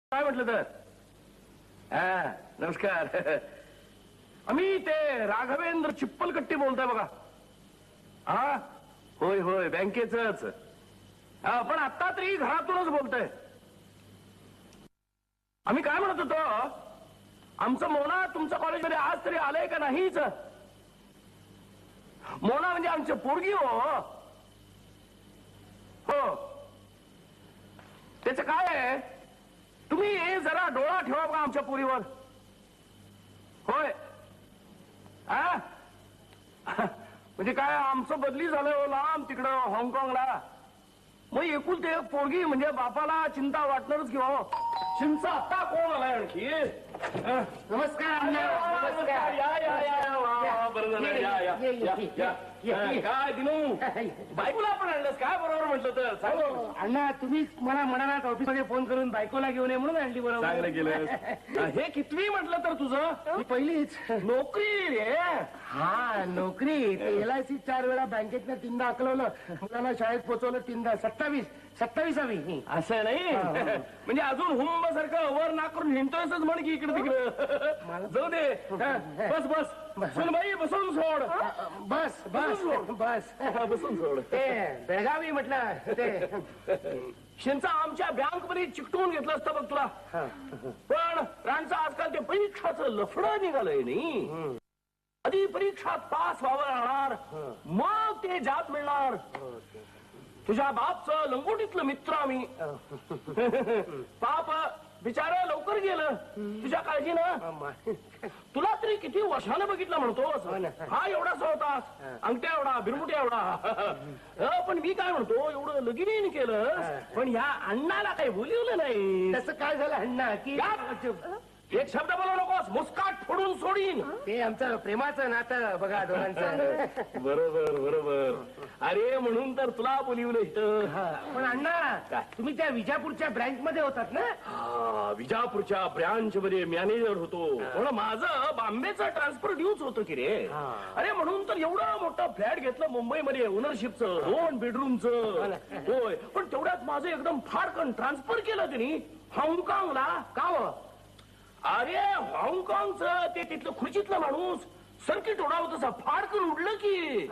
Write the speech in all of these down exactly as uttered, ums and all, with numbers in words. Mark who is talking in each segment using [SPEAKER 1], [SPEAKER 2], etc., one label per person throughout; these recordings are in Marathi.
[SPEAKER 1] काय म्हटलं तर? हा नमस्कार. आम्ही ते राघवेंद्र चिप्पलकट्टी बोलतोय बघा. हा होय होय बँकेचंच. हा पण आता तरी घरातूनच बोलतोय. आम्ही काय म्हणत होतो, आमचं मोना तुमच्या कॉलेजमध्ये आज तरी आलंय का नाहीच? मोना म्हणजे आमची पोरगी हो. हो त्याच काय आहे, तुम्ही जरा डोळा ठेवा बघा आमच्या पोरीवर. होय हा म्हणजे काय आमचं बदली झालं लांब तिकडं हाँगकाँगला. मग एकूण ते एक पोरगी म्हणजे बापाला चिंता वाटणारच की हो. चिंचा आता कोण आलाय आणखी?
[SPEAKER 2] नमस्कार.
[SPEAKER 1] नमस्कार. या या या वा वा बरं झालं. या या या काय दिनू बायकोला आपण आणलंस काय? बरोबर म्हटलं तर चांगलं.
[SPEAKER 2] अण्णा तुम्ही मला म्हणालात ऑफिस मध्ये फोन करून बायकोला घेऊन ये म्हणून आणली. बरोबर
[SPEAKER 1] चांगलं केलं. हे कितवी म्हटलं तर तुझं?
[SPEAKER 2] ही पहिलीच
[SPEAKER 1] नोकरी रे.
[SPEAKER 2] हा नोकरी. एल आय सी चार वेळा बँकेतनं तीनदा अकलवलं, मुलांना शाळेत पोहोचवलं तीनदा. सत्तावीस सत्तावीसावी.
[SPEAKER 1] असं नाही म्हणजे अजून हुंब सारखं वर नाक करून हिंडतोयच म्हण की इकडे तिकडे. जाऊ दे. बस बस सुनबाई बसून सोड.
[SPEAKER 2] बस बस बस
[SPEAKER 1] बसून सोड.
[SPEAKER 2] ते बेळगावी म्हटलं ते
[SPEAKER 1] शिंचा आमच्या बँक मध्ये चिकटवून घेतलं असतं बघ तुला. पण रांचं आजकाल ते परीक्षाचं लफडं निघालंय नाही. आधी परीक्षात पास व्हावं लागणार, मग ते जात मिळणार. तुझ्या बापचं लंगोटीतलं मित्र आम्ही. पाप बिचार लवकर गेलं तुझ्या काळजीनं. तुला तरी किती वर्षानं बघितलं म्हणतोस. हा एवढासा होता, अंगठ्या एवढा, बिरमुट्या एवढा. पण मी काय म्हणतो, एवढं लगीन केलं पण ह्या अण्णाला काही बोलवलं नाही.
[SPEAKER 2] तसं काय झालं अण्णा की
[SPEAKER 1] एक शब्द बोलू नकोस, मुस्काट फोडून सोडीन.
[SPEAKER 2] ते आमचं प्रेमाचं नातं बघा दोघांचं.
[SPEAKER 1] बरोबर बरोबर. अरे म्हणून तर तुला बोलिवलं इथं.
[SPEAKER 2] पण अण्णा तुम्ही त्या विजापूरच्या ब्रँच मध्ये होतात ना?
[SPEAKER 1] हा विजापूरच्या ब्रँच मध्ये मॅनेजर होतो. पण माझं बॉम्बेचं ट्रान्सफर ड्यूच होतं की रे. अरे म्हणून तर एवढं मोठं फ्लॅट घेतलं मुंबईमध्ये ओनरशिपचं, दोन बेडरूमचं. होय पण तेवढ्यात माझं एकदम फाडकन ट्रान्सफर केलं त्यांनी हाँगकाँगला. का हो? अरे हाँगकाँगचं ते तिथलं खुर्चीतलं माणूस सर्किट उडावत तसा फाडकन उडलं की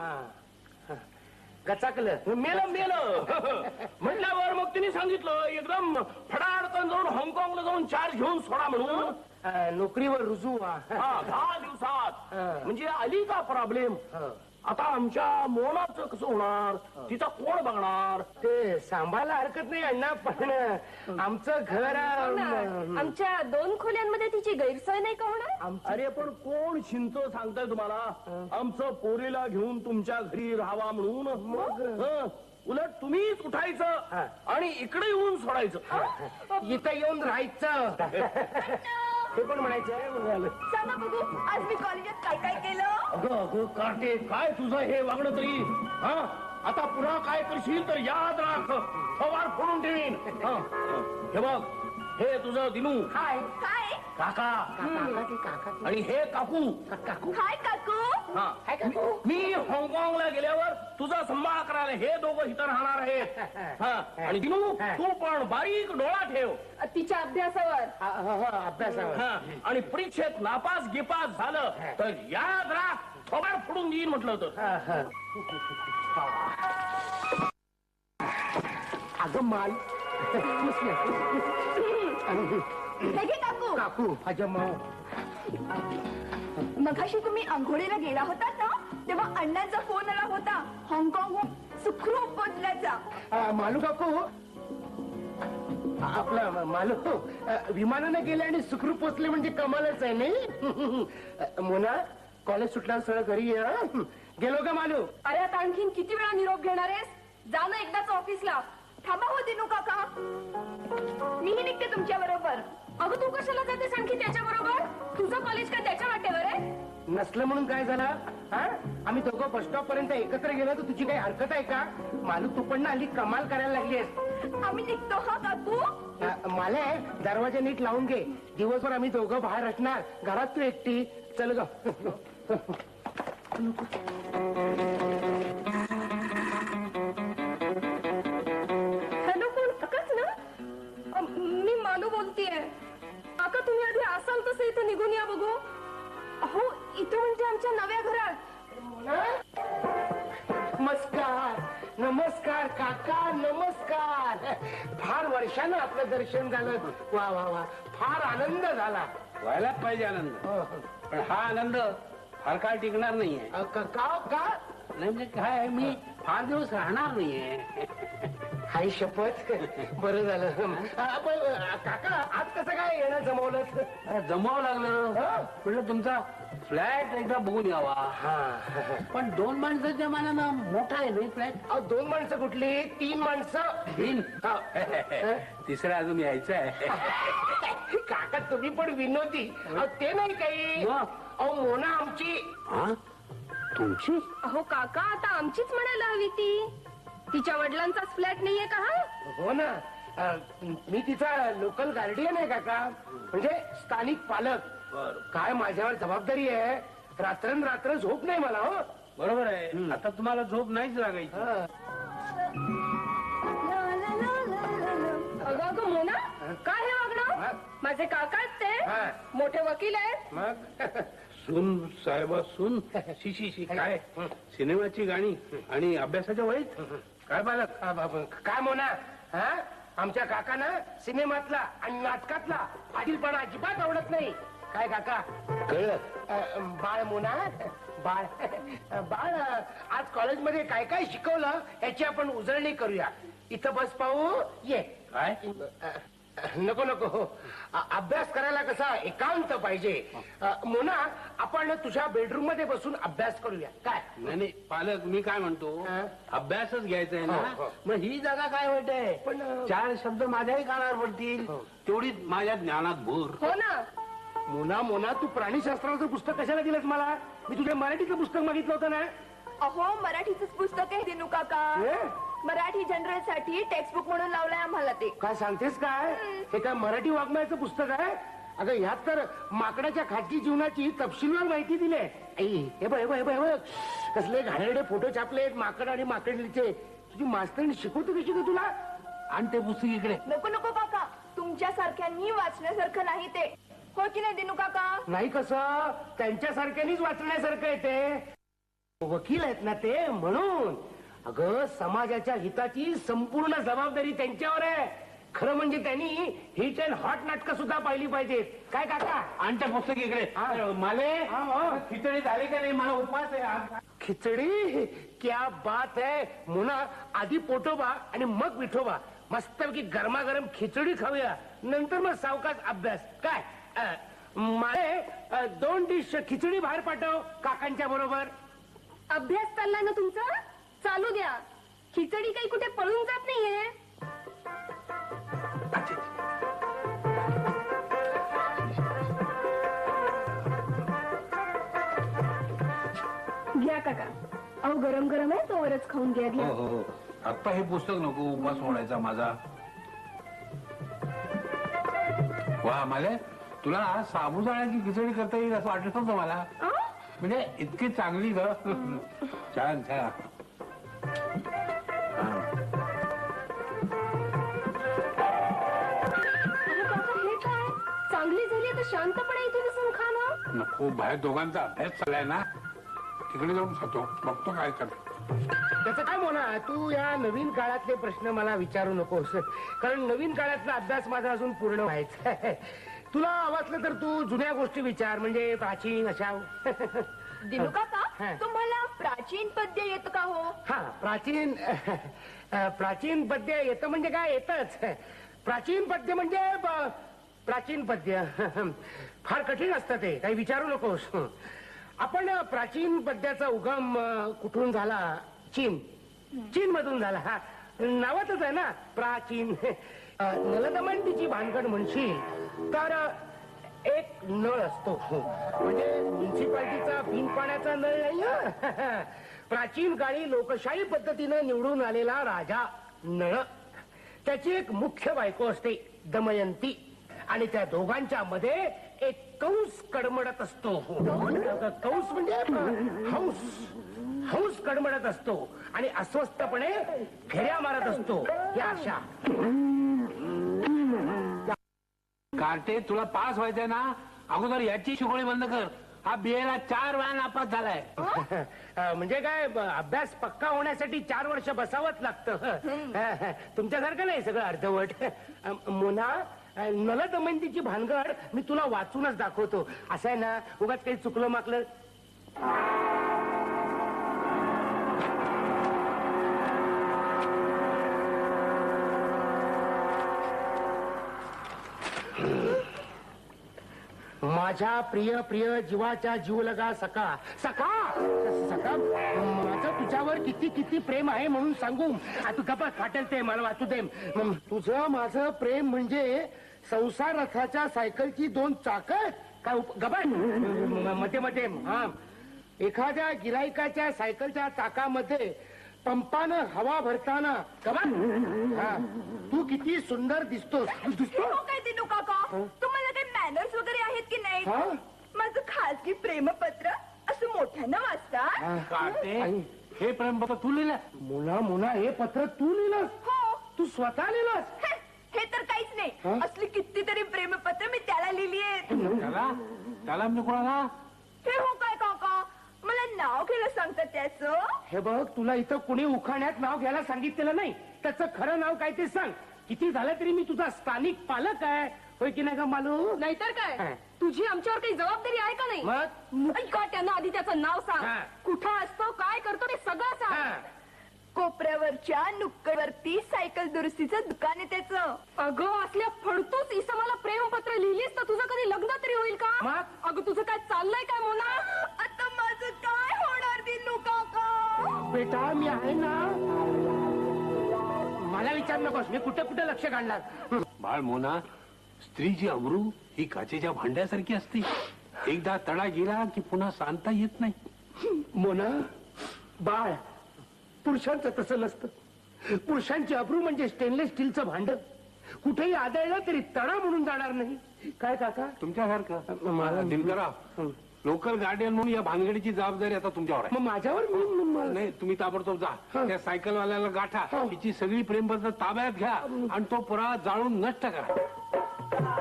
[SPEAKER 2] गचाकलं.
[SPEAKER 1] मेलं मेलं म्हटल्यावर मग तिने सांगितलं एकदम फडाडकन जाऊन हाँगकाँगला जाऊन चार्ज घेऊन सोडा म्हणून.
[SPEAKER 2] नोकरीवर रुजू
[SPEAKER 1] हा दहा दिवसात. म्हणजे आली का प्रॉब्लेम. आता आमच्या मोनाचं कसं होणार, तिचा कोण बघणार?
[SPEAKER 2] ते सांभाळायला हरकत नाही अण्णा, पण आमचं घर
[SPEAKER 3] आमच्या दोन खोल्यांमध्ये तिची गैरसोय नाही का होणार?
[SPEAKER 1] अरे पण कोण शिंत सांगताय तुम्हाला आमचं पोरीला घेऊन तुमच्या घरी राहावा म्हणून? मग उलट तुम्हीच उठायचं आणि इकडे येऊन सोडायचं.
[SPEAKER 2] इथं येऊन राहायचं हे पण म्हणायचं.
[SPEAKER 3] सांगा बघू आज मी कॉलेजात काय काय केलं?
[SPEAKER 1] अगं अगं काटे काय तुझं हे वागणं तरी. हा आता पुन्हा काय करशील तर याद राख, फवार फोडून ठेवीन. हे बघ हे तुझं दिनू.
[SPEAKER 3] हाय हाय
[SPEAKER 1] काका.
[SPEAKER 2] काका
[SPEAKER 1] आणि हे काकू.
[SPEAKER 2] काकू
[SPEAKER 3] हाय काकू.
[SPEAKER 1] हा मी हाँगकाँगला गेल्यावर तुझा सांभाळ करायला हे दोघं इथं राहणार आहेत. हा आणि दिनू तू पण बारीक डोळा ठेव
[SPEAKER 3] तिच्या अभ्यासावर.
[SPEAKER 2] अभ्यासावर.
[SPEAKER 1] हा आणि परीक्षेत नापास गिपास झालं तर याद राख, थोबाड फोडून देईन म्हटलं होतं.
[SPEAKER 2] अगं माल
[SPEAKER 3] हे घे काकू.
[SPEAKER 2] काकू अजय माऊ.
[SPEAKER 3] मगाशी तुम्ही आंघोळीला गेला होतात ना, तेव्हा अण्णांचा फोन आला होता हाँगकाँगहून सुखरूप पोचल्याचा.
[SPEAKER 2] मालू काकू आपला मालू विमानाने गेले आणि सुखरूप पोचले म्हणजे कमालच आहे नाही. मोना कॉलेज सुटल्यावर सरळ घरी ये. गेलो का मालू?
[SPEAKER 3] अरे आता आणखीन किती वेळा निरोप घेणार आहेस? जा ना एकदाच ऑफिसला. थांबा हो दिनू काका, मीही निघते तुमच्या बरोबर. अगं तू कशाला जातेस आणखी त्याच्या बरोबर? तुझं कॉलेज का त्याच्या वाटेवर आहे?
[SPEAKER 2] नसलं म्हणून काय झालं? हा आम्ही दोघं बस स्टॉप पर्यंत एकत्र गेलो तर तुझी काही हरकत आहे का? मालू तू पण ना हल्ली कमाल करायला लागलीस.
[SPEAKER 3] आम्ही निघतो हा काकू.
[SPEAKER 2] मला दरवाजा नीट लावून घे. दिवसभर आम्ही दोघं बाहेर असणार, घरात तू एकटी. चल ग.
[SPEAKER 3] हॅलो कोण? काकाच ना? मी मालू बोलतीये. निघून या बघू. अहो इथं म्हणजे आमच्या नव्या घरात.
[SPEAKER 2] नमस्कार नमस्कार काका नमस्कार. फार वर्षानं आपलं दर्शन झालं. वा वा वा फार आनंद झाला.
[SPEAKER 4] व्हायलाच पाहिजे आनंद, पण हा आनंद फार काळ टिकणार नाहीये.
[SPEAKER 2] अ, का का- का
[SPEAKER 4] नाही म्हणजे काय आहे, मी फार दिवस राहणार नाहीये.
[SPEAKER 2] हाय शपथ बरं झालं. अ, पण, अ, काका आज कसं काय येणं जमवलं?
[SPEAKER 4] अरे, जमावं लागलं. म्हटलं तुमचा फ्लॅट एकदा बघून यावा.
[SPEAKER 2] हा
[SPEAKER 4] पण दोन माणसाच्या मानानं मोठा आहे नाही फ्लॅट.
[SPEAKER 2] अहो, दोन माणसं कुठली? तीन माणसं.
[SPEAKER 4] तीन
[SPEAKER 2] हा.
[SPEAKER 4] तिसरा अजून यायचं आहे.
[SPEAKER 2] काका तुम्ही पण विनोदी. अहो, ते नाही काही.
[SPEAKER 4] मग?
[SPEAKER 2] अहो मोना आमची.
[SPEAKER 4] हा? तुमची?
[SPEAKER 3] अहो काका आता आमचीच म्हणायला हवी ती. तिच्या वडिलांचाच फ्लॅट नाहीये का हा?
[SPEAKER 2] हो ना. अ, मी तिचा लोकल गार्डियन आहे काका, म्हणजे स्थानिक पालक. काय माझ्यावर जबाबदारी आहे. रात्रंरात्र झोप नाही मला. हो
[SPEAKER 4] बरोबर आहे. आता तुम्हाला झोप नाहीच लागायची.
[SPEAKER 2] हा.
[SPEAKER 3] अगं अगं मोना काय हे
[SPEAKER 2] हा?
[SPEAKER 3] वागणं? माझे काका आहेत
[SPEAKER 2] हा.
[SPEAKER 3] ते मोठे वकील आहेत.
[SPEAKER 2] मग
[SPEAKER 4] सून साहेबा सून शी शी शी काय सिनेमाची गाणी आणि अभ्यासाच्या वहीत काय बालक.
[SPEAKER 2] अ, बाबा, काय मोना हा आमच्या काकांना सिनेमातला आणि नाटकातला आदिलपणा अजिबात आवडत नाही. काय काका
[SPEAKER 4] कळलं?
[SPEAKER 2] अ, बाळ मोना बाळ अ, बाळ अ, आज कॉलेजमध्ये काय काय शिकवलं याची आपण उजळणी करूया. इथं बस पाहू ये.
[SPEAKER 4] काय?
[SPEAKER 2] अ, नको नको. अ, अभ्यास करायला कसा एकांत पाहिजे. अ, मोना आपण तुझ्या बेडरूम मध्ये बसून अभ्यास करूया. काय
[SPEAKER 4] नाही नाही, पालक मी काय म्हणतो,
[SPEAKER 2] हा?
[SPEAKER 4] अभ्यासच घ्यायचा आहे
[SPEAKER 2] हो,
[SPEAKER 4] ना.
[SPEAKER 2] हो.
[SPEAKER 4] मग ही जागा काय वाईट आहे.
[SPEAKER 2] पण, अ,
[SPEAKER 4] चार शब्द माझ्याही कानावर पडतील,
[SPEAKER 2] हो.
[SPEAKER 4] तेवढीच माझ्या ज्ञानात भूर.
[SPEAKER 3] हो ना.
[SPEAKER 2] मोना मोना तू प्राणीशास्त्राचं पुस्तक कशाला दिलंस मला? मी तुझ्या मराठीचं पुस्तक मागितलं होतं ना.
[SPEAKER 3] अहो मराठीच पुस्तक आहे दिनू काका.
[SPEAKER 2] हे?
[SPEAKER 3] मराठी जनरल साठी टेक्स्ट बुक म्हणून लावलंय आम्हाला ते.
[SPEAKER 2] काय सांगतेस काय? हे काय मराठी वाङ्मयाचं पुस्तक आहे? अगं ह्यात तर माकडाच्या खाजगी जीवनाची तपशीलवार माहिती दिली आहे. आई, हे बघ हे बघ हे बघ हे बघ. कसले घाणेरडे फोटो छापलेत माकड आणि माकडलीचे. तुझी मास्तरणी शिकवतो कशी का तुला?
[SPEAKER 4] आणि ते पुस्तक इकडे.
[SPEAKER 3] नको नको काका, तुमच्या सारख्यांनी वाचण्यासारखं नाही ते. हो की नाही दिनू काका?
[SPEAKER 2] नाही कसं, त्यांच्यासारख्यानीच वाचण्यासारखं आहे ते. वकील आहेत ना ते, म्हणून. अगं समाजाच्या हिताची संपूर्ण जबाबदारी त्यांच्यावर आहे. खरं म्हणजे त्यांनी हिट अँड हॉट नाटकं सुद्धा पाहिली पाहिजेत. काय काका?
[SPEAKER 4] आणि ते पुस्तक इकडे.
[SPEAKER 2] हा.
[SPEAKER 4] माले
[SPEAKER 2] हा, हा.
[SPEAKER 4] खिचडी झाली का नाही, मला उपवास आहे आज.
[SPEAKER 2] खिचडी क्या बात है. मुना आधी पोटोबा आणि मग विठोबा. मस्तपैकी गरमागरम खिचडी खाऊया, नंतर मग सावकाश अभ्यास. काय अ, माळे अ, दोन डिश खिचडी बाहेर पाठव काकांच्या बरोबर.
[SPEAKER 3] अभ्यास चाललाय ना तुमचा? चालू द्या. खिचडी काही कुठे पळून जात नाहीये. घ्या काका. अहो गरम गरम आहे, तोवरच खाऊन घ्या. घ्या.
[SPEAKER 4] हो हो. आता हे पुस्तक नको, उपवास मोडायचा माझा. वा माले, तुला आज साबुदाण्याची खिचडी करता येईल असं वाटत नव्हतं मला.
[SPEAKER 3] अं?
[SPEAKER 4] म्हणजे इतकी चांगली ग. छान छान.
[SPEAKER 3] अहो काका हे काय? चांगली झाली तर शांतपणे इथे बसून खा ना.
[SPEAKER 4] नको, बाहेर दोघांचा अभ्यास चाललाय ना, तिकडे जाऊन खातो, बघतो काय करतो.
[SPEAKER 2] त्याचं काय म्हणा, तू या नवीन काळातले प्रश्न मला विचारू नकोस, कारण नवीन काळातला अभ्यास माझा अजून पूर्ण व्हायचा आहे. तुला वाचलं तर तू जुन्या गोष्टी विचार, म्हणजे प्राचीन अशा.
[SPEAKER 3] दिनू काका,
[SPEAKER 2] हा.
[SPEAKER 3] तुम्हाला प्राचीन पद्य येतं का हो?
[SPEAKER 2] हा प्राचीन अ, प्राचीन पद्य येतं म्हणजे काय? येतच. प्राचीन पद्य म्हणजे ब- प्राचीन पद्य फार कठीण असतं ते, काही विचारू नकोस. आपण प्राचीन पद्याचा उगम अ, कुठून झाला? चीन. चीन मधून झाला. हा नावातच आहे ना प्राचीन. अ, नलदमंतीची भानगड म्हणशील तर अ, एक नळ असतो, म्हणजे म्युन्सिपाल्टीचा बिन पाण्याचा नळ नाही हं. प्राचीन काळी लोकशाही पद्धतीनं निवडून आलेला राजा नळ. त्याची एक मुख्य बायको असते दमयंती, आणि त्या दोघांच्या मध्ये एक कंस कडमडत असतो. कंस म्हणजे हंस. हंस कडमडत असतो आणि अस्वस्थपणे फेऱ्या मारत असतो. या अशा.
[SPEAKER 4] कार्टे, तुला पास व्हायचंय ना, अगोदर याची शिकवणी बंद कर. हा बीएला चार वेळा नापास झालाय.
[SPEAKER 2] अं, म्हणजे काय ब- अभ्यास पक्का होण्यासाठी चार वर्ष बसावंच लागतं. तुमच्यासारखं नाही सगळं अर्धवट. अं, मोना अं, नलदमयंतीची भानगड मी तुला वाचूनच दाखवतो. असं आहे ना, उगाच काही चुकलं माकलं. माझ्या प्रिय प्रिय जीवाच्या जीव लगा सखा सखा सखा माझं तुझ्यावर किती किती प्रेम आहे म्हणून सांगू. आ, तू गप्पा वाटेल ते मला वाचू दे. म, तुझं माझं प्रेम म्हणजे संसार रथाच्या सायकलची दोन चाक काय गप्पा मध्ये मध्ये हा एखाद्या गिरायकाच्या सायकलच्या चाकामध्ये पंपानं हवा भरताना गप्पा हा तू किती सुंदर दिसतोस. दिसतो
[SPEAKER 3] हो काय दिनू काका, तुम्हाला काही मॅनर्स वगैरे आहेत की नाही?
[SPEAKER 2] हा?
[SPEAKER 3] माझं खासगी प्रेमपत्र असं मोठ्यानं वाचता.
[SPEAKER 4] काटे हे प्रेमपत्र तू लिहिलं?
[SPEAKER 2] मुला मुला हे पत्र तू लिहिलंस?
[SPEAKER 3] हो.
[SPEAKER 2] तू स्वतः लिहिलंस?
[SPEAKER 3] हे हे तर काहीच नाही.
[SPEAKER 2] हा?
[SPEAKER 3] असली कितीतरी प्रेमपत्र मी त्याला लिहिली आहेत.
[SPEAKER 4] त्याला त्याला म्हणजे कोणाला?
[SPEAKER 3] हे हो काय काका, मला नाव घ्यायला सांगतात त्याचं.
[SPEAKER 2] हे बघ, तुला इथं कुणी उखाण्यात नाव घ्यायला सांगितलेलं नाही. त्याचं खरं नाव काय ते सांग. किती झालं तरी मी तुझा स्थानिक पालक आहे, होय की नाही का मालू?
[SPEAKER 3] नाहीतर
[SPEAKER 2] हा.
[SPEAKER 3] काय, तुझी आमच्यावर काही जबाबदारी आहे का नाही?
[SPEAKER 2] मग
[SPEAKER 3] ऐका, त्यांना आधी त्याचं नाव
[SPEAKER 2] हा.
[SPEAKER 3] सांग. कुठं असतो, काय करतो ते सगळं सांग.
[SPEAKER 2] हा.
[SPEAKER 3] कोपऱ्यावरच्या नुक्कडवरती सायकल दुरुस्तीचं दुकान आहे त्याचं. अगं, असल्या फडतूस इसमाला प्रेमपत्र लिहिलीस तर तुझं कधी लग्न तरी होईल का?
[SPEAKER 2] मग?
[SPEAKER 3] अगं, तुझं काय चाललंय काय मोना? आता माझं काय होणार दिनू काका?
[SPEAKER 2] बेटा मी आहे ना, मला विचार नकोस. मी कुठे कुठे लक्ष काढणार.
[SPEAKER 4] बाळ मोना, स्त्रीची अमरू ही काचेच्या भांड्यासारखी असते. एकदा तडा गेला की पुन्हा सांगता येत नाही.
[SPEAKER 2] मोना बाळ, पुरुषांचं तसं नसतं. पुरुषांची अब्रू म्हणजे स्टेनलेस स्टीलचं भांड. कुठेही आदळलं तरी तडा म्हणून जाणार नाही. काय काका?
[SPEAKER 4] तुमच्यासारखं
[SPEAKER 2] मला-
[SPEAKER 4] दिनकरा, लोकल गार्डियन म्हणून या भानगडीची जबाबदारी आता तुमच्यावर आहे.
[SPEAKER 2] मग माझ्यावर मी- मी- मला-
[SPEAKER 4] नाही, तुम्ही ताबडतोब जा. त्या सायकलवाल्याला गाठा,
[SPEAKER 2] हा.
[SPEAKER 4] तिची सगळी प्रेमपत्र ताब्यात घ्या आणि तो पुरावा जाळून नष्ट करा.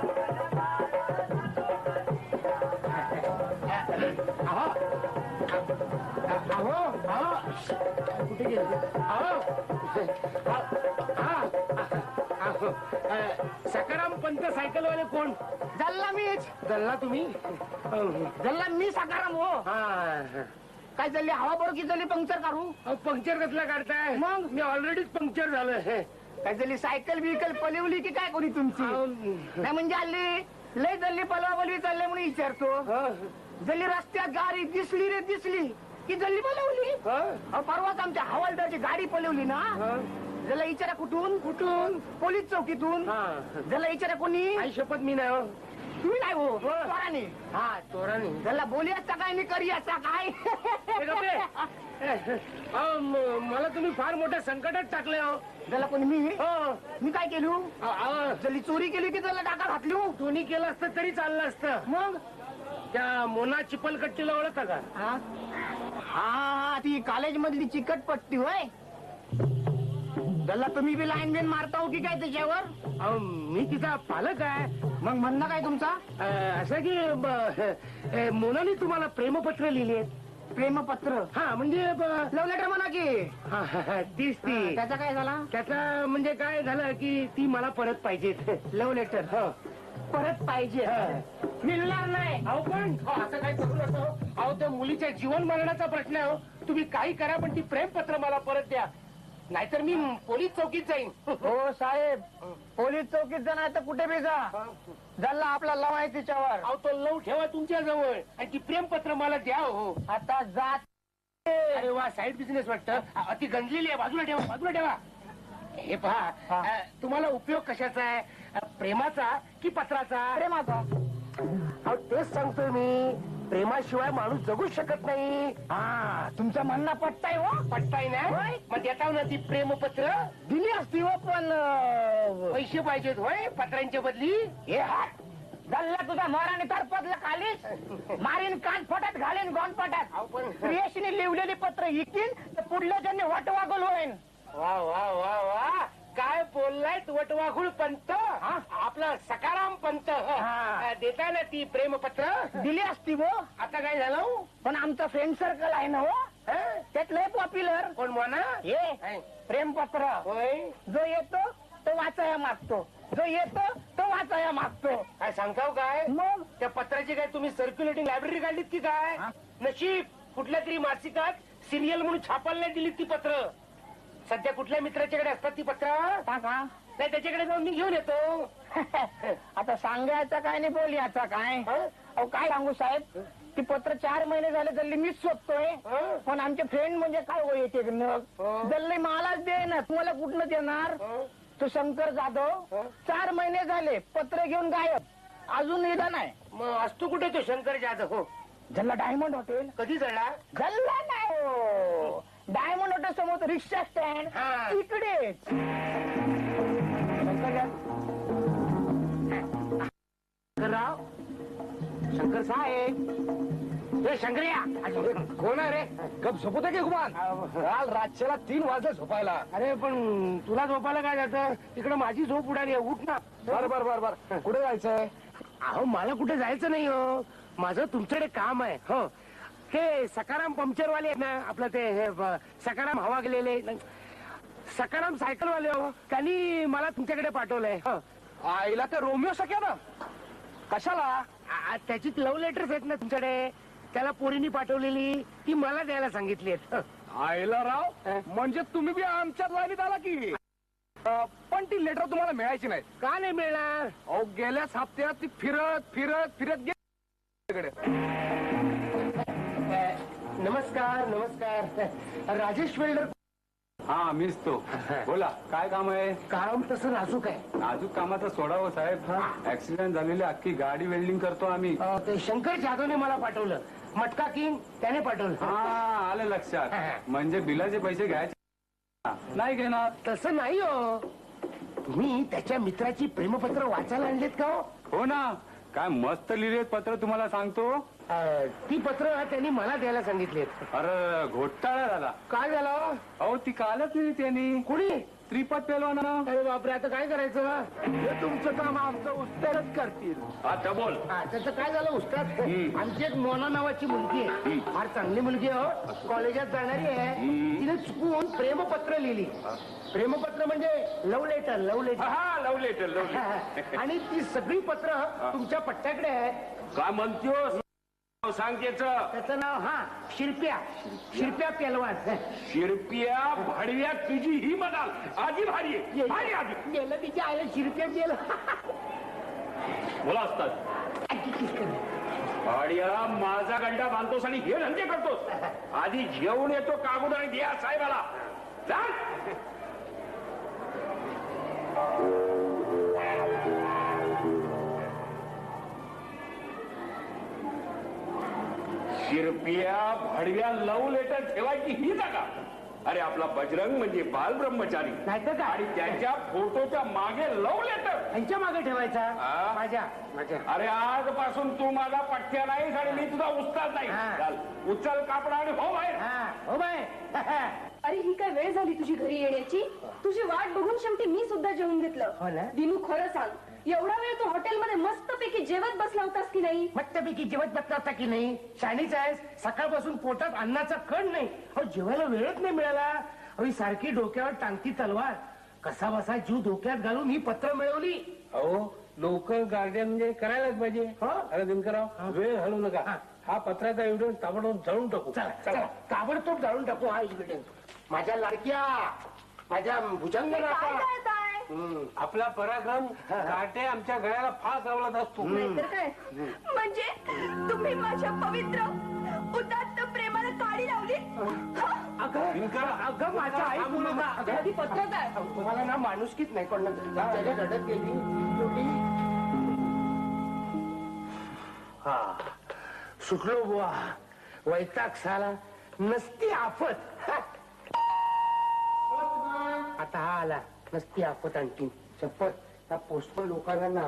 [SPEAKER 2] अहो अहो अहो कुठे गेले? अहो हा, अहो, अ, सकाराम पंत सायकलवाले कोण?
[SPEAKER 5] जल्ला मीच
[SPEAKER 2] जल्ला तुम्ही?
[SPEAKER 5] जल्ला मी साकाराम हो.
[SPEAKER 2] हा.
[SPEAKER 5] काय चालली हवा बरोबर की चालली पंक्चर काढू?
[SPEAKER 2] अहो, पंक्चर कसला काढताय?
[SPEAKER 5] मग?
[SPEAKER 2] मी ऑलरेडीच पंक्चर झालोय.
[SPEAKER 5] काय चालली सायकल बिकल पलवली की काय कोणी तुमची?
[SPEAKER 2] अहो,
[SPEAKER 5] नाही म्हणजे हल्ली लय जल्ली पलवा पलवी चालले म्हणून विचारतो.
[SPEAKER 2] हा,
[SPEAKER 5] जल्ली रस्त्यात गाडी दिसली रे दिसली की जल्ली पलवली.
[SPEAKER 2] हा,
[SPEAKER 5] अहो, परवाच आमच्या हवालदारची गाडी पलवली ना.
[SPEAKER 2] हा.
[SPEAKER 5] जला विचारा कुठून?
[SPEAKER 2] कुठून?
[SPEAKER 5] पोलीस चौकीतून.
[SPEAKER 2] हा.
[SPEAKER 5] जला विचारा कोणी?
[SPEAKER 2] आई शपथ मी नाही हो.
[SPEAKER 5] तुम्ही नाही हो चोराने.
[SPEAKER 2] हा, चोराने.
[SPEAKER 5] जला बोली असता काय मी करी असता काय?
[SPEAKER 2] हे गप्पे. अहो, म- मला तुम्ही फार मोठ्या संकटात टाकले हो.
[SPEAKER 5] जला कोणी मी?
[SPEAKER 2] हो.
[SPEAKER 5] मी काय केलो?
[SPEAKER 2] अहो, अहो,
[SPEAKER 5] जल्ली चोरी केली की त्याला टाका घातली हो?
[SPEAKER 2] दोन्ही केलं असतं तरी चाललं असतं.
[SPEAKER 5] मग
[SPEAKER 2] त्या मोना चिपलकट्टीला ओळखता का?
[SPEAKER 5] हा हा ती कॉलेज मधली चिकट पट्टी होय. गल्ला तुम्ही बी लाईन बिन मारता हो की काय त्याच्यावर?
[SPEAKER 2] अहो, मी तिचा पालक आहे.
[SPEAKER 5] मग म्हणणं काय तुमचा?
[SPEAKER 2] अं, असं की ब- अं, मोनाने तुम्हाला प्रेमपत्र लिहिली आहेत.
[SPEAKER 5] प्रेमपत्र?
[SPEAKER 2] हा म्हणजे ब-
[SPEAKER 5] लव्ह लेटर म्हणा की.
[SPEAKER 2] हा, हा, हा, तीच ती.
[SPEAKER 5] त्याचा काय झाला?
[SPEAKER 2] त्याचा म्हणजे काय झालं की ती मला परत पाहिजे.
[SPEAKER 5] लव्ह लेटर
[SPEAKER 2] हो.
[SPEAKER 5] परत पाहिजे.
[SPEAKER 2] हा.
[SPEAKER 5] मिळणार नाही.
[SPEAKER 2] अहो पण हो, असं काही करू नका. अहो त्या मुलीच्या जीवन मरणाचा प्रश्न आहे हो. तुम्ही काही करा पण ती प्रेमपत्र मला परत द्या, नाहीतर मी पोलीस चौकीत जाईन.
[SPEAKER 5] हो साहेब, पोलीस चौकीत जाणार तर कुठे बी जा. झाला आपला लव आहे तिच्यावर.
[SPEAKER 2] अहो तो लव ठेवा तुमच्या जवळ आणि ती प्रेमपत्र मला द्या हो.
[SPEAKER 5] आता जात.
[SPEAKER 2] अरे वा, साईड बिझनेस वाटतं. अ, ती गंजलेली आहे, बाजूला ठेवा, बाजूला ठेवा. हे पहा,
[SPEAKER 5] हा.
[SPEAKER 2] अ, तुम्हाला उपयोग कशाचा आहे, अ, प्रेमाचा की पत्राचा?
[SPEAKER 5] प्रेमाचा.
[SPEAKER 2] अहो तेच सांगतोय मी, प्रेमाशिवाय माणूस जगू शकत नाही.
[SPEAKER 5] हा तुमचं म्हणणं पटताय हो.
[SPEAKER 2] पटताय ना?
[SPEAKER 5] होय.
[SPEAKER 2] मग देताव ना ती प्रेमपत्र.
[SPEAKER 5] दिली असती हो पण अं,
[SPEAKER 2] पैसे पाहिजेत होय पत्रांच्या बदली.
[SPEAKER 5] हे हात झाला तुझा मोराने तर पदलं खालीच मारीन कान फटात घालीन गोन पटात.
[SPEAKER 2] अहो पण
[SPEAKER 5] प्रियशीने लिवलेली पत्र इकीन तर पुढल्या ज्यांनी वाट वागल होईन.
[SPEAKER 2] वा वा वा वा, काय बोललाय वटवाघुळ पंत आपला सकाराम पंत देता ना ती प्रेमपत्र
[SPEAKER 5] दिली असती वो.
[SPEAKER 2] आता काय झालं
[SPEAKER 5] पण आमचा फ्रेंड सर्कल आहे ना हो, त्यात लय पॉप्युलर.
[SPEAKER 2] कोण म्हणा
[SPEAKER 5] हे प्रेमपत्र
[SPEAKER 2] होय
[SPEAKER 5] जो येतो तो वाचाया मागतो, जो येतो तो वाचाया मागतो.
[SPEAKER 2] काय सांगताव काय
[SPEAKER 5] मग
[SPEAKER 2] त्या पत्राची काय तुम्ही सर्क्युलेटिंग लायब्ररी काढलीत की काय नशीब कुठल्या तरी मासिकात सिरियल म्हणून छापायला नाही दिलीत ती पत्र. सध्या कुठल्या मित्राच्याकडे असतात ती पत्र
[SPEAKER 5] का
[SPEAKER 2] नाही त्याच्याकडे जाऊन मी घेऊन येतो.
[SPEAKER 5] आता सांगायचं काय नाही बोलयाचा काय. अहो काय सांगू साहेब, ती पत्र चार महिने झाले जल्ली मीच शोधतोय, पण आमचे फ्रेंड म्हणजे काय हो येते जल्ली मलाच दे ना, तुम्हाला कुठनं देणार. तो शंकर जाधव चार महिने झाले पत्र घेऊन गायब, अजून निदान नाही.
[SPEAKER 2] मग असतो कुठे तो शंकर जाधव हो
[SPEAKER 5] जल्ला डायमंड हॉटेल
[SPEAKER 2] कधी चढला
[SPEAKER 5] जल्ला नाही हो, डायमंड हॉटेल समोर रिक्षा स्टँड
[SPEAKER 2] हा.
[SPEAKER 5] इकडेच. शंकर जाधव
[SPEAKER 2] शंकरराव शंकर साहेब हे शंकर्या कोण आहे रे
[SPEAKER 1] गप झोपत की गुमान काल रातच्याला तीन वाजले झोपायला.
[SPEAKER 2] अरे पण तुला झोपायला काय जातं तिकडे माझी झोप उडाली आहे, उठ ना.
[SPEAKER 1] बर बर बर बर कुठे जायचंय?
[SPEAKER 2] अहो मला कुठे जायचं नाही हो, माझं तुमच्याकडे काम आहे हो. हे सकाराम पंक्चरवाले आहेत ना आपलं ते हे ब- सकाराम हवा गेलेले नाही, सकाराम सायकलवाले हो त्यांनी मला तुमच्याकडे पाठवलंय हो.
[SPEAKER 1] आईला ते रोमिओ सख्या ना कशाला?
[SPEAKER 2] आ- त्याची लव्ह लेटर्स आहेत ना तुमच्याकडे, त्याला पोरीनी पाठवलेली ती मला द्यायला सांगितली आहेत.
[SPEAKER 1] आईला राव म्हणजे तुम्ही बी आमच्याच लाईनीत आला की. अं, पण ती लेटर तुम्हाला मिळायची नाही.
[SPEAKER 2] का नाही मिळणार?
[SPEAKER 1] अहो गेल्याच हप्त्यात ती फिरत फिरत फिरत गेली.
[SPEAKER 2] नमस्कार नमस्कार राजेश वेल्डर.
[SPEAKER 4] हा मीच तो. बोला काय काम आहे?
[SPEAKER 2] काम तसं नाजूक आहे.
[SPEAKER 4] नाजूक कामाचं सोडावं साहेब, ऍक्सिडेंट झालेली अख्खी गाडी वेल्डिंग करतो आम्ही.
[SPEAKER 2] अ, ते शंकर जाधवने मला पाठवलं, मटका किंग त्याने पाठवलं.
[SPEAKER 4] हा आलं लक्षात. म्हणजे बिलाचे पैसे घ्यायचे नाही घेणार?
[SPEAKER 2] तसं नाही हो, तुम्ही त्याच्या मित्राची प्रेमपत्र वाचायला आणलेत का हो?
[SPEAKER 4] हो ना, काय मस्त लिहिलेत पत्र तुम्हाला सांगतो.
[SPEAKER 2] अ, ती पत्र त्यांनी मला द्यायला सांगितलीत.
[SPEAKER 4] अरे घोटाळा झाला.
[SPEAKER 2] काय झालं?
[SPEAKER 4] अहो ती कालच लिहिली त्यांनी.
[SPEAKER 2] कुणी?
[SPEAKER 4] त्रिपद पेलवाना.
[SPEAKER 2] अरे बापरे, आता काय करायचं? हे तुमचं काम आमचं उस्तादच करतील.
[SPEAKER 1] आता बोल.
[SPEAKER 2] हा, त्याचं काय झालं उस्ताद, आमची एक मोना नावाची मुलगी आहे, फार चांगली मुलगी आहे हो, कॉलेजात जाणारी आहे. तिने चुकून प्रेमपत्र लिहिली. प्रेमपत्र म्हणजे लव्ह लेटर, लव्ह लेटर.
[SPEAKER 1] हा लव लेटर लव लेटर.
[SPEAKER 2] आणि ती सगळी पत्र तुमच्या पट्ट्याकडे आहेत.
[SPEAKER 1] काय म्हणतोस? सांग त्याचं.
[SPEAKER 2] त्याचं नाव हा शिरप्या, शिरप्या पेलवान.
[SPEAKER 1] शिरपिया भाडव्या तुझी ही म्हणाल आधी भारी आहे. भारी आधी
[SPEAKER 2] गेलं तिच्या आईला शिरप्या गेलं.
[SPEAKER 1] मुलं असतात भाड्याला माझा गंडा बांधतोस आणि हे धंदे करतोस. आधी घेऊन येतो कागद आणि द्या साहेबाला. चाल. शिरपिया भाडव्या लव लेटर ठेवायची ही जागा. अरे आपला बजरंग म्हणजे बाल ब्रह्मचारी
[SPEAKER 2] नाहीतर काय?
[SPEAKER 1] आणि त्याच्या फोटोच्या मागे लव लेटर
[SPEAKER 2] त्यांच्या मागे ठेवायचा.
[SPEAKER 1] हा?
[SPEAKER 2] माझ्या माझ्या
[SPEAKER 1] अरे आजपासून तू माझा पठ्या नाहीस आणि मी तुझा उस्ताद नाही.
[SPEAKER 2] हा.
[SPEAKER 1] चाल उचल कापड आणि हो बाहेर.
[SPEAKER 2] हा हो बाय.
[SPEAKER 3] अरे ही काय वेळ झाली तुझी घरी येण्याची? तुझी वाट बघून शेवटी मी सुद्धा जेवून
[SPEAKER 2] हो
[SPEAKER 3] घेतलं.
[SPEAKER 2] ना?
[SPEAKER 3] दिनू खरं सांग, एवढा वेळ तू हॉटेलमध्ये मस्तपैकी जेवत बसला होतास की नाही?
[SPEAKER 2] मस्तपैकी जेवत बसला होता की नाही? शाणीच आहेस, सकाळपासून पोटात अन्नाचा कण नाही. अहो जेवायला वेळच नाही मिळाला. अहो ही सारखी डोक्यावर टांगती तलवार, कसा बसा जीव धोक्यात घालून ही पत्र मिळवली.
[SPEAKER 6] अहो लोकल गार्डियन म्हणजे करायलाच पाहिजे.
[SPEAKER 2] हो?
[SPEAKER 6] अरे दिनकरराव वेळ घालू नका.
[SPEAKER 2] हा.
[SPEAKER 6] हा पत्राचा एव्हिडन्स ताबडतोब जाळून टाकू.
[SPEAKER 2] चला चला ताबडतोब जाळून टाकू हा एव्हिडन्स. माझ्या लाडक्या, माझ्या भुजंग
[SPEAKER 3] काय करताय?
[SPEAKER 6] आपला पराक्रम काटे आमच्या गळ्याला फास लावत असतो.
[SPEAKER 3] नाहीतर काय? म्हणजे तुम्ही माझ्या पवित्र उदात्त प्रेमाला काडी लावली?
[SPEAKER 2] अगं अगं माझ्या आई बोलू का?
[SPEAKER 3] आधी पत्रच आहे.
[SPEAKER 2] तुम्हाला ना माणुसकीच नाही कोण त्याच्या रडत गेली शेवटी. हा सुटलो बुवा, वैताग साला, नसती आफत. आता हा आला, नसती आफत आणखी. शपथ त्या पोस्टमन लोकांना ना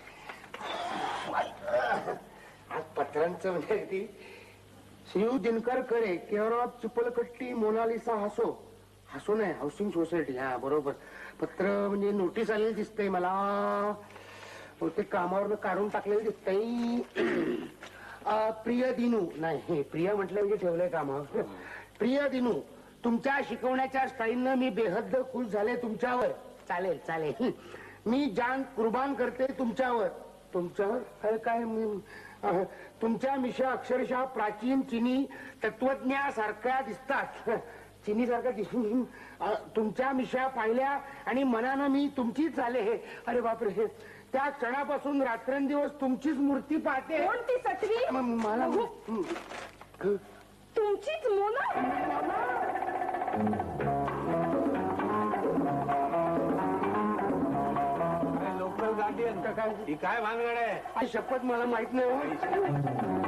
[SPEAKER 2] आज पत्रांचं म्हणजे अगदी शिव दिनकर करे, केवळ चिपलकट्टी, मोनालिसा हसो. हसो नाही, हाऊसिंग सोसायटी. हा बरोबर. पत्र म्हणजे नोटीस आलेली दिसतंय मला. ते कामावरनं काढून टाकलेलं दिसतंय. अ, प्रिय दिनू, नाही प्रिय म्हटलं म्हणजे ठेवलंय कामावर. प्रिय दिनू, तुमच्या शिकवण्याच्या स्टाईलनं मी बेहद्द खुश झाले तुमच्यावर. चालेल चालेल, मी जान कुर्बान करते तुमच्यावर. तुमच्यावर अरे काय मी अ, तुमच्या मिशा अक्षरशः प्राचीन चिनी तत्वज्ञासारख्या दिसतात. चिनी सारख्या दिसून अ, तुमच्या मिशा पाहिल्या आणि मनानं मी तुमचीच झाले. अरे बापरे, त्या क्षणापासून रात्रंदिवस तुमचीच मूर्ती पाहते.
[SPEAKER 3] कोणती सटवी?
[SPEAKER 2] म- मला
[SPEAKER 3] तुमचीच मोना.
[SPEAKER 6] लोकल गाडी
[SPEAKER 2] काय
[SPEAKER 6] ही काय भानगड आहे?
[SPEAKER 2] आई शपथ मला माहित नाही हो.